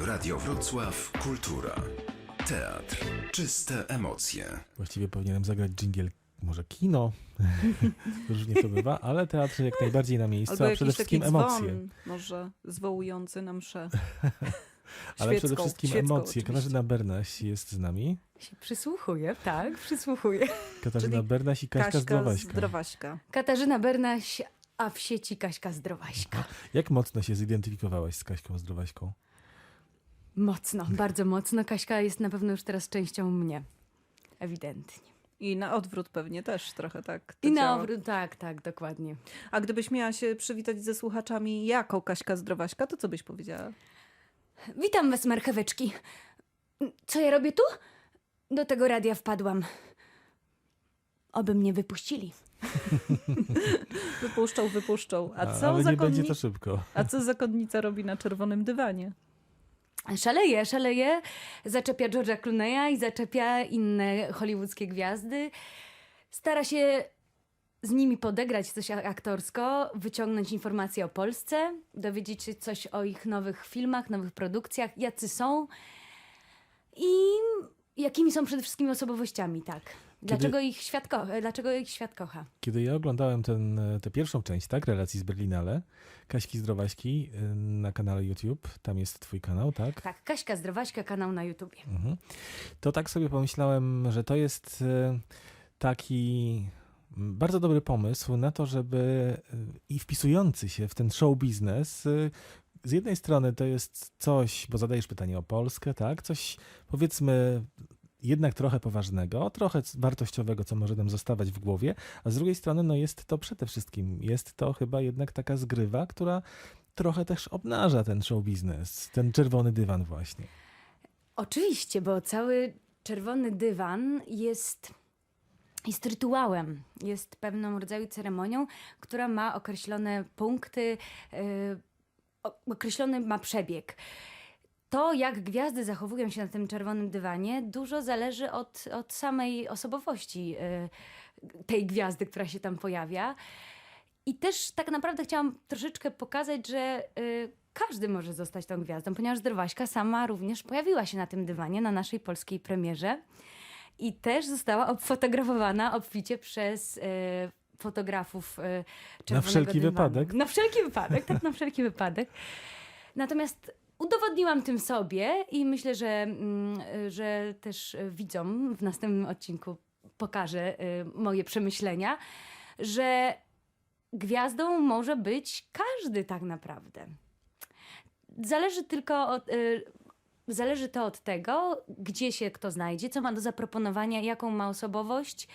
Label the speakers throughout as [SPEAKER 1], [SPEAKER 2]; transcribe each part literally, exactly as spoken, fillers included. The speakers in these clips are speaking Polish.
[SPEAKER 1] Radio Wrocław Kultura. Teatr. Czyste emocje.
[SPEAKER 2] Właściwie powinienem zagrać dżingiel, może kino, różnie to bywa, ale teatr jak najbardziej na miejscu,
[SPEAKER 3] Albo
[SPEAKER 2] a przede wszystkim
[SPEAKER 3] taki dzwon,
[SPEAKER 2] emocje.
[SPEAKER 3] może zwołujący na mszę.
[SPEAKER 2] Ale przede
[SPEAKER 3] Świecką,
[SPEAKER 2] wszystkim
[SPEAKER 3] świecką
[SPEAKER 2] emocje.
[SPEAKER 3] oczywiście.
[SPEAKER 2] Katarzyna Bernaś jest z nami.
[SPEAKER 4] Się przysłuchuję, tak, przysłuchuję.
[SPEAKER 2] Katarzyna
[SPEAKER 3] Czyli
[SPEAKER 2] Bernaś i Kaśka,
[SPEAKER 3] Kaśka
[SPEAKER 2] Zdrowaśka.
[SPEAKER 3] Zdrowaśka.
[SPEAKER 4] Katarzyna Bernaś, a w sieci Kaśka Zdrowaśka.
[SPEAKER 2] Jak mocno się zidentyfikowałaś z Kaśką Zdrowaśką?
[SPEAKER 4] Mocno, bardzo mocno. Kaśka jest na pewno już teraz częścią mnie. Ewidentnie.
[SPEAKER 3] I na odwrót pewnie też trochę tak to
[SPEAKER 4] I na
[SPEAKER 3] działa.
[SPEAKER 4] obrót, tak, tak, dokładnie.
[SPEAKER 3] A gdybyś miała się przywitać ze słuchaczami jako Kaśka Zdrowaśka, to co byś powiedziała?
[SPEAKER 4] Witam was, marcheweczki. Co ja robię tu? Do tego radia wpadłam. Oby mnie wypuścili.
[SPEAKER 3] Wypuszczą, wypuszczą. A co,
[SPEAKER 2] Ale nie będzie
[SPEAKER 3] zakonni...
[SPEAKER 2] to szybko.
[SPEAKER 3] A co zakonnica robi na czerwonym dywanie?
[SPEAKER 4] Szaleje, szaleje. Zaczepia George'a Clooney'a i zaczepia inne hollywoodzkie gwiazdy. Stara się z nimi podegrać coś aktorsko, wyciągnąć informacje o Polsce, dowiedzieć się coś o ich nowych filmach, nowych produkcjach, jacy są i jakimi są przede wszystkim osobowościami, tak. Dlaczego, ich świat ko- dlaczego ich świat kocha.
[SPEAKER 2] Kiedy ja oglądałem ten, tę pierwszą część, tak, relacji z Berlinale, Kaśki Zdrowaśki y, na kanale YouTube, tam jest twój kanał, tak?
[SPEAKER 4] Tak, Kaśka Zdrowaśka, kanał na YouTubie.
[SPEAKER 2] Mhm. To tak sobie pomyślałem, że to jest y, taki bardzo dobry pomysł na to, żeby y, i wpisujący się w ten show biznes. Y, z jednej strony to jest coś, bo zadajesz pytanie o Polskę, tak? Coś powiedzmy jednak trochę poważnego, trochę wartościowego, co może nam zostawać w głowie, a z drugiej strony no jest to przede wszystkim, jest to chyba jednak taka zgrywa, która trochę też obnaża ten show biznes, ten czerwony dywan właśnie.
[SPEAKER 4] Oczywiście, bo cały czerwony dywan jest, jest rytuałem, jest pewną rodzaju ceremonią, która ma określone punkty, yy, określony ma przebieg. To, jak gwiazdy zachowują się na tym czerwonym dywanie, dużo zależy od, od samej osobowości y, tej gwiazdy, która się tam pojawia. I też tak naprawdę chciałam troszeczkę pokazać, że y, każdy może zostać tą gwiazdą, ponieważ Zdrowaśka sama również pojawiła się na tym dywanie, na naszej polskiej premierze. I też została obfotografowana obficie przez y, fotografów y, czerwonego
[SPEAKER 2] Na wszelki
[SPEAKER 4] dywanu.
[SPEAKER 2] wypadek?
[SPEAKER 4] Na wszelki wypadek, tak, na wszelki wypadek. Natomiast udowodniłam tym sobie i myślę, że, mm, że też widzom w następnym odcinku pokażę y, moje przemyślenia, że gwiazdą może być każdy tak naprawdę. Zależy tylko od, y, zależy to od tego, gdzie się kto znajdzie, co ma do zaproponowania, jaką ma osobowość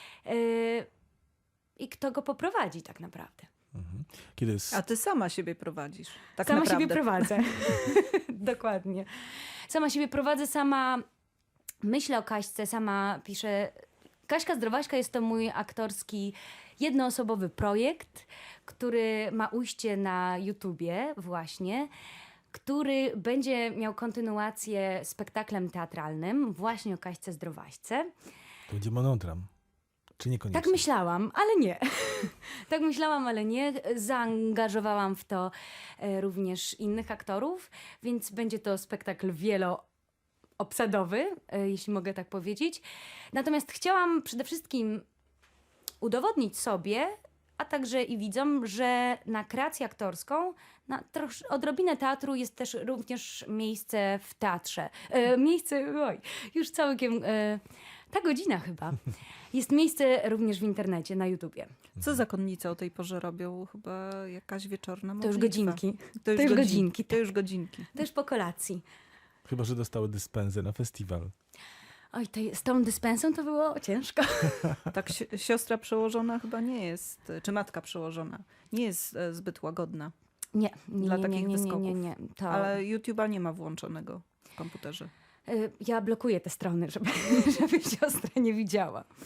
[SPEAKER 4] y, i kto go poprowadzi tak naprawdę.
[SPEAKER 2] Mhm. Kiedy s-
[SPEAKER 3] A ty sama siebie prowadzisz. Tak
[SPEAKER 4] Sama
[SPEAKER 3] naprawdę.
[SPEAKER 4] siebie prowadzę. Dokładnie. Sama siebie prowadzę, sama myślę o Kaśce, sama piszę. Kaśka Zdrowaśka jest to mój aktorski, jednoosobowy projekt, który ma ujście na YouTubie właśnie, który będzie miał kontynuację spektaklem teatralnym właśnie o Kaśce Zdrowaśce.
[SPEAKER 2] to będzie monodram, czy niekoniecznie?
[SPEAKER 4] Tak myślałam, ale nie. Tak myślałam, ale nie. Zaangażowałam w to e, również innych aktorów, więc będzie to spektakl wieloobsadowy, e, jeśli mogę tak powiedzieć. Natomiast chciałam przede wszystkim udowodnić sobie, a także i widzom, że na kreację aktorską, na trosz, odrobinę teatru jest też również miejsce w teatrze. E, miejsce, oj, już całkiem... E, ta godzina chyba. Jest miejsce również w internecie, na YouTubie.
[SPEAKER 3] Co zakonnice o tej porze robią? Chyba jakaś wieczorna
[SPEAKER 4] To już
[SPEAKER 3] modlitwa.
[SPEAKER 4] godzinki.
[SPEAKER 3] To już,
[SPEAKER 4] To już
[SPEAKER 3] godzinki.
[SPEAKER 4] godzinki,
[SPEAKER 3] To już godzinki.
[SPEAKER 4] Też po kolacji.
[SPEAKER 2] Chyba że dostały dyspensę na festiwal.
[SPEAKER 4] Oj, to, z tą dyspensą to było ciężko.
[SPEAKER 3] Tak, si- siostra przełożona chyba nie jest, czy matka przełożona, nie jest e, zbyt łagodna.
[SPEAKER 4] Nie, nie,
[SPEAKER 3] Dla
[SPEAKER 4] nie,
[SPEAKER 3] takich
[SPEAKER 4] nie, nie,
[SPEAKER 3] wyskoków.
[SPEAKER 4] nie, nie. To,
[SPEAKER 3] Ale YouTube'a nie ma włączonego w komputerze.
[SPEAKER 4] y, ja blokuję te strony, żeby, żeby siostra nie widziała.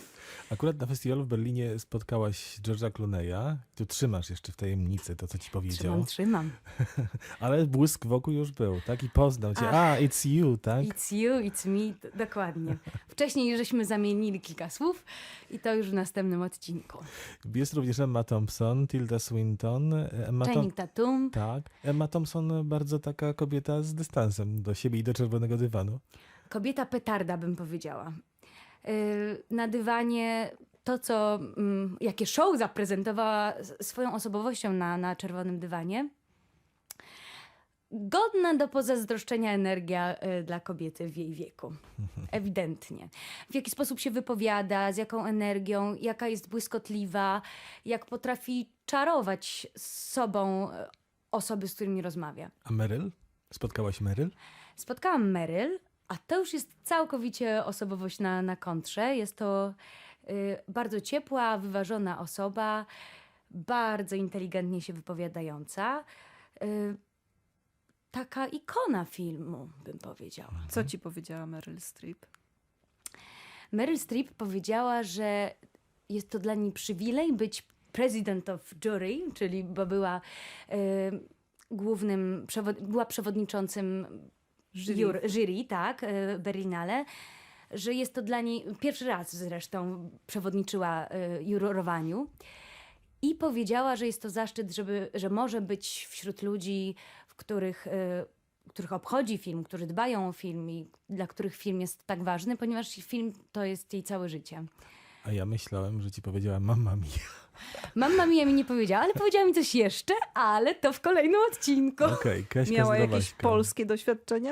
[SPEAKER 2] Akurat na festiwalu w Berlinie spotkałaś George'a Clooney'a. Tu trzymasz jeszcze w tajemnicy to, co ci powiedział.
[SPEAKER 4] Trzymam, trzymam.
[SPEAKER 2] Ale błysk wokół już był, tak? I poznał cię.
[SPEAKER 4] Ach.
[SPEAKER 2] A, it's you, tak?
[SPEAKER 4] It's you, it's me, d- dokładnie. Wcześniej żeśmy zamienili kilka słów i to już w następnym odcinku.
[SPEAKER 2] Jest również Emma Thompson, Tilda Swinton. Emma Thom-
[SPEAKER 4] Channing Tatum.
[SPEAKER 2] Tak. Emma Thompson bardzo taka kobieta z dystansem do siebie i do czerwonego dywanu.
[SPEAKER 4] Kobieta petarda, bym powiedziała. Yy, Na dywanie to, co, mm, jakie show zaprezentowała s- swoją osobowością na, na czerwonym dywanie. Godna do pozazdroszczenia energia y, dla kobiety w jej wieku. Ewidentnie. W jaki sposób się wypowiada, z jaką energią, jaka jest błyskotliwa, jak potrafi czarować z sobą y, osoby, z którymi rozmawia.
[SPEAKER 2] A Meryl? Spotkałaś Meryl?
[SPEAKER 4] Spotkałam Meryl, a to już jest całkowicie osobowość na, na kontrze. Jest to y, bardzo ciepła, wyważona osoba, bardzo inteligentnie się wypowiadająca. Y, taka ikona filmu, bym powiedziała.
[SPEAKER 3] Co ci powiedziała Meryl Streep?
[SPEAKER 4] Meryl Streep powiedziała, że jest to dla niej przywilej być president of jury, czyli bo była y, głównym, przewod- była przewodniczącym
[SPEAKER 3] Jury.
[SPEAKER 4] jury, jury tak, y, Berlinale, że jest to dla niej, pierwszy raz zresztą przewodniczyła y, jurorowaniu i powiedziała, że jest to zaszczyt, żeby, że może być wśród ludzi, w których, y, których obchodzi film, którzy dbają o film i dla których film jest tak ważny, ponieważ film to jest jej całe życie.
[SPEAKER 2] A ja myślałem, że ci powiedziała Mamma Mia.
[SPEAKER 4] Mamma Mia mi nie powiedziała, ale powiedziała mi coś jeszcze, ale to w kolejnym odcinku.
[SPEAKER 2] Okej, Kaśka
[SPEAKER 3] Miała jakieś
[SPEAKER 2] Zdrowaśka.
[SPEAKER 3] polskie doświadczenia?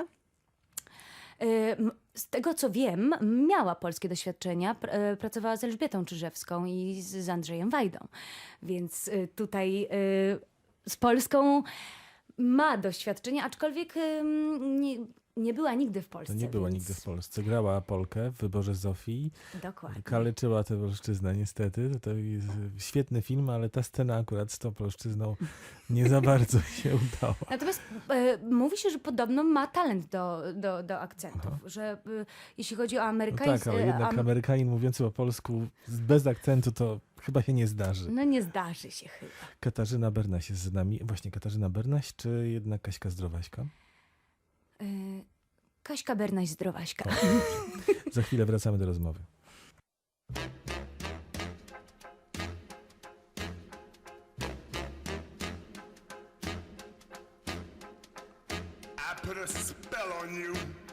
[SPEAKER 4] Y, m- Z tego co wiem, miała polskie doświadczenia, pr- y, pracowała z Elżbietą Czyżewską i z, z Andrzejem Wajdą, więc y, tutaj y, z Polską ma doświadczenie, aczkolwiek y, nie, nie była nigdy w Polsce.
[SPEAKER 2] No nie była
[SPEAKER 4] więc...
[SPEAKER 2] nigdy w Polsce. Grała Polkę w Wyborze Zofii.
[SPEAKER 4] Dokładnie.
[SPEAKER 2] Kaleczyła tę polszczyznę niestety. To jest świetny film, ale ta scena akurat z tą polszczyzną nie za bardzo się udała.
[SPEAKER 4] Natomiast e, mówi się, że podobno ma talent do, do, do akcentów, że e, jeśli chodzi o
[SPEAKER 2] No
[SPEAKER 4] amerykańskie...
[SPEAKER 2] tak, ale jednak Amerykanin mówiący po polsku z- bez akcentu to chyba się nie zdarzy.
[SPEAKER 4] No nie zdarzy się chyba.
[SPEAKER 2] Katarzyna Bernaś jest z nami. Właśnie Katarzyna Bernaś, czy jednak Kaśka Zdrowaśka?
[SPEAKER 4] E, Kaśka Bernaś Zdrowaśka.
[SPEAKER 2] Za chwilę wracamy do rozmowy.
[SPEAKER 5] I put a spell on you.